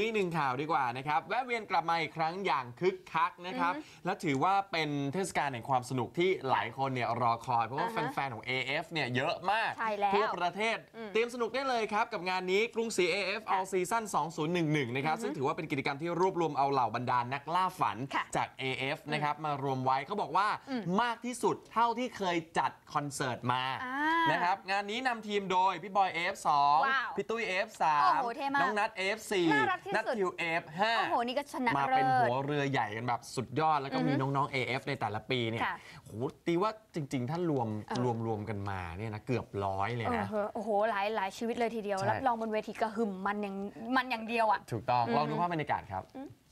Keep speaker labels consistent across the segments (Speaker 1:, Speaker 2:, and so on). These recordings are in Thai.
Speaker 1: อีกหนึ่งข่าวดีกว่านะครับแวะเวียนกลับมาอีกครั้งอย่างคึกคักนะครับและถือว่าเป็นเทศกาลแห่งความสนุกที่หลายคนเนี่ยรอคอยเพราะว่าแฟนๆของ AF เนี่ยเยอะมากทั่วประเทศเตรียมสนุกได้เลยครับกับงานนี้กรุงศรี AF All Season 2011นะครับซึ่งถือว่าเป็นกิจกรรมที่รวบรวมเอาเหล่าบรรดานักล่าฝันจาก AF นะครับมารวมไว้เขาบอกว่ามากที่สุดเท่าที่เคยจัดคอนเสิร์ตมานะครับงานนี้นำทีมโดยพี่บอย AF2 พี่ตุ้ย AF3 น้องนัท AF4 นัททิว AF5
Speaker 2: โอ้โหนี่ก็ชนะ
Speaker 1: มาเป็นหัวเรือใหญ่กันแบบสุดยอดแล้วก็มีน้องๆ AF ในแต่ละปีเนี่ยโหตีว่าจริงๆถ้ารวมกันมาเนี่ยนะเกือบ100เลยนะ
Speaker 2: โอ้โหหลายชีวิตเลยทีเดียวรับรองบนเวทีกระหึ่มมันอย่างเดียวอ่ะ
Speaker 1: ถูกต้องลองดูภาพบรรยากาศครับ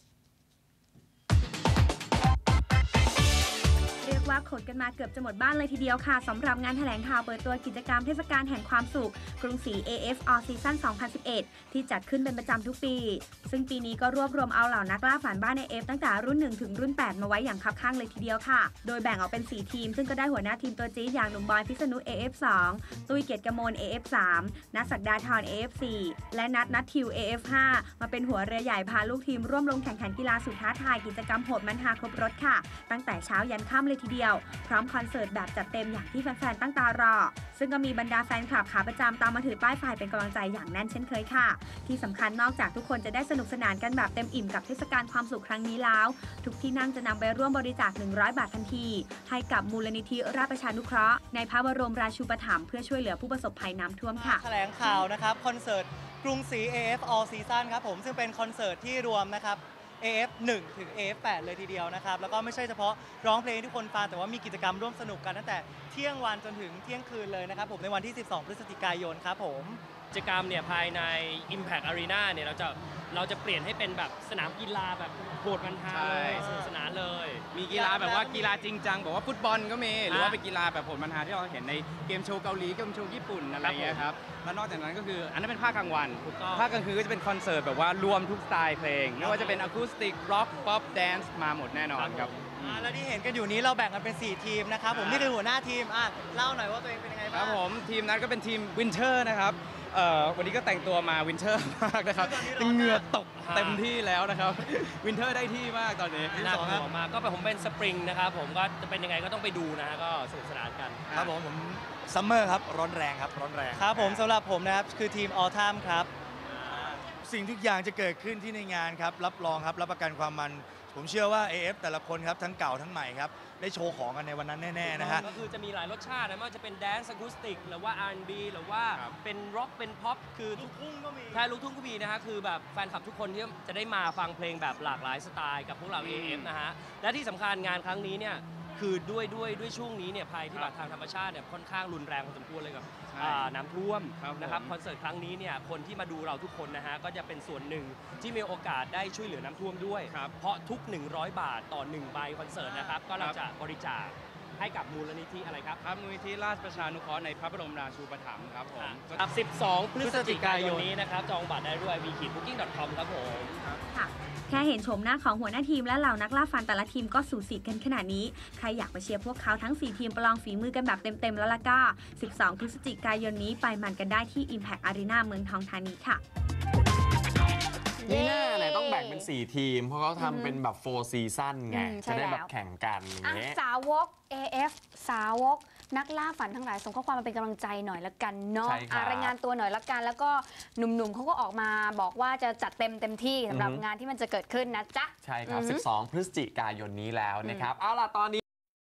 Speaker 3: เรียกว่าขนกันมาเกือบจะหมดบ้านเลยทีเดียวค่ะสำหรับงานแถลงข่าวเปิดตัวกิจกรรมเทศกาลแห่งความสุขกรุงศรี AF All Season 2011 ที่จัดขึ้นเป็นประจำทุกปีซึ่งปีนี้ก็รวบรวมเอาเหล่านักล่าฝันบ้าน AF ตั้งแต่รุ่น 1 ถึงรุ่น 8 มาไว้อย่างคับข้างเลยทีเดียวค่ะโดยแบ่งออกเป็น 4 ทีมซึ่งก็ได้หัวหน้าทีมตัวจี๊ดอย่างหนุ่มบอยพิษณุ AF2 ตุ้ยเกียรติกมล AF3 นัทศักดาธร AF4 และนัททิว AF5 มาเป็นหัวเรือใหญ่พาลูกทีมร่วมลงแข่งขันกีฬาสุดท้าทายกิจกรรมโหดมันฮาครบรถค่ะตั้งแต่เช้ายันค่ำเลยทีเดียวพร้อมคอนเสิร์ตแบบจัดเต็มอย่างที่แฟนๆตั้งตารอซึ่งก็มีบรรดาแฟนคลับขาประจำตามมาถือป้ายไฟเป็นกำลังใจอย่างแน่นเช่นเคยค่ะที่สำคัญนอกจากทุกคนจะได้สนุกสนานกันแบบเต็มอิ่มกับเทศกาลความสุขครั้งนี้แล้วทุกที่นั่งจะนำไปร่วมบริจาค100 บาททันทีให้กับมูลนิธิราชประชานุเคราะห์ในพระบรมราชูปถัมภ์เพื่อช่วยเหลือผู้ประสบภัยน้ำท่วมค่ะ
Speaker 4: แถลงข่าวนะครับคอนเสิร์ตกรุงศรี AF All Season ครับผมซึ่งเป็นคอนเสิร์ตที่รวมนะครับAF1 ถึง AF8 เลยทีเดียวนะครับแล้วก็ไม่ใช่เฉพาะร้องเพลงที่ทุกคนฟังแต่ว่ามีกิจกรรมร่วมสนุกกันตั้งแต่เที่ยงวันจนถึงเที่ยงคืนเลยนะครับผมในวันที่ 12 พฤศจิกายนครับผม
Speaker 5: กิจกรรมเนี่ยภายใน Impact Arena เนี่ยเราจะเปลี่ยนให้เป็นแบบสนามกีฬาแบบโหดมันฮาเลยสนุกสนานเลย
Speaker 6: มีกีฬาแบบว่ากีฬาจริงจังแบบว่าฟุตบอลก็มีหรือว่าเป็นกีฬาแบบโหดมันฮาที่เราเห็นในเกมโชว์เกาหลีเกมโชว์ญี่ปุ่นอะไรเงี้ยครับแล้วนอกจากนั้นก็คืออันนั้นเป็นภาคกลางวันภาคกลางคืนก็จะเป็นคอนเสิร์ตแบบว่ารวมทุกสไตล์เพลงไม่ว่าจะเป็นอะคูสติกร็อกป๊อปแดนซ์มาหมดแน่นอนครับ
Speaker 4: แล้วที่เห็นกันอยู่นี้เราแบ่งกันเป็น4ทีมนะครับผมนี่คือหัวหน้าทีมเล่าหน่อยว่าตัวเองเป็นยังไงบ้าง
Speaker 6: ครับผมทีมนั้นก็เป็นทีมวินเทอร์นะครับวันนี้ก็แต่งตัวมาวินเทอร์มากนะครับเหงื่อตกเต็มที่แล้วนะครับวินเทอร์ได้ที่มากตอนนี้
Speaker 5: หน้าผมมาก็ผมเป็นสปริงนะครับผมก็จะเป็นยังไงก็ต้องไปดูนะก็สนุกสนานกัน
Speaker 4: ครับผมซัมเมอร์ครับร้อนแรงครับร้อนแรงครับผมสำหรับผมนะครับคือทีมออทัมครับ
Speaker 7: สิ่งทุกอย่างจะเกิดขึ้นที่ในงานครับรับรองครับรับประกันความมันผมเชื่อว่า AF แต่ละคนครับทั้งเก่าทั้งใหม่ครับได้โชว์ของกันในวันนั้นแน่ๆนะฮะ
Speaker 5: ก็คือจะมีหลายรสชาตินะไม่ว่าจะเป็นแดนซ์อะคูสติกหรือว่า R&B หรือว่าเป็นร็อกเป็นพ็อปคือ
Speaker 4: ลูกทุ่งก็มี
Speaker 5: ใช่ลูกทุ่งก็มีนะฮะคือแบบแฟนคลับทุกคนที่จะได้มาฟังเพลงแบบหลากหลายสไตล์กับพวกเรา AF นะฮะและที่สำคัญงานครั้งนี้เนี่ยคือด้วยช่วงนี้เนี่ยภัยพิบัติทางธรรมชาติเนี่ยค่อนข้างรุนแรงพอสมควรเลยกับน้ำท่วมนะครับคอนเสิร์ตครั้งนี้เนี่ยคนที่มาดูเราทุกคนนะฮะก็จะเป็นส่วนหนึ่งที่มีโอกาสได้ช่วยเหลือน้ำท่วมด้วยเพราะทุก100 บาทต่อ1ใบคอนเสิร์ตนะครับก็เราจะบริจาคให้กับมูลนิธิอะไรครับ
Speaker 6: มูลนิธิราชประชานุเคราะห์ในพระบรมราชูปถัมภ์ครับผม
Speaker 5: 12 พฤศจิกายนนี้นะครับจองบัตรได้ด้วย wiki.booking.com ครับผม
Speaker 3: ค่ะแค่เห็นโฉมหน้าของหัวหน้าทีมและเหล่านักล่าฟันแต่ละทีมก็สูสีกันขนาดนี้ใครอยากไปเชียร์พวกเขาทั้ง4ทีมประลองฝีมือกันแบบเต็มๆแล้วล่ะก็12 พฤศจิกายนนี้ไปมันกันได้ที่ Impact Arena เมืองทองธานีค่ะ
Speaker 1: นี่หน้าไหนต้องแบ่งเป็น4ทีมเพราะเขาทำเป็นแบบ4ซีซั่นไงจะได้แบบแข่งกัน
Speaker 2: สาวก AF สาวกนักล่าฝันทั้งหลายส่งข้อความมาเป็นกำลังใจหน่อยละกันเนาะรายงานตัวหน่อยละกันแล้วก็หนุ่มๆเขาก็ออกมาบอกว่าจะจัดเต็มที่สำหรับงานที่มันจะเกิดขึ้นนะจ๊ะ
Speaker 1: ใช่ครับ12 พฤศจิกายนนี้แล้วนะครับเอาล่ะตอนนี้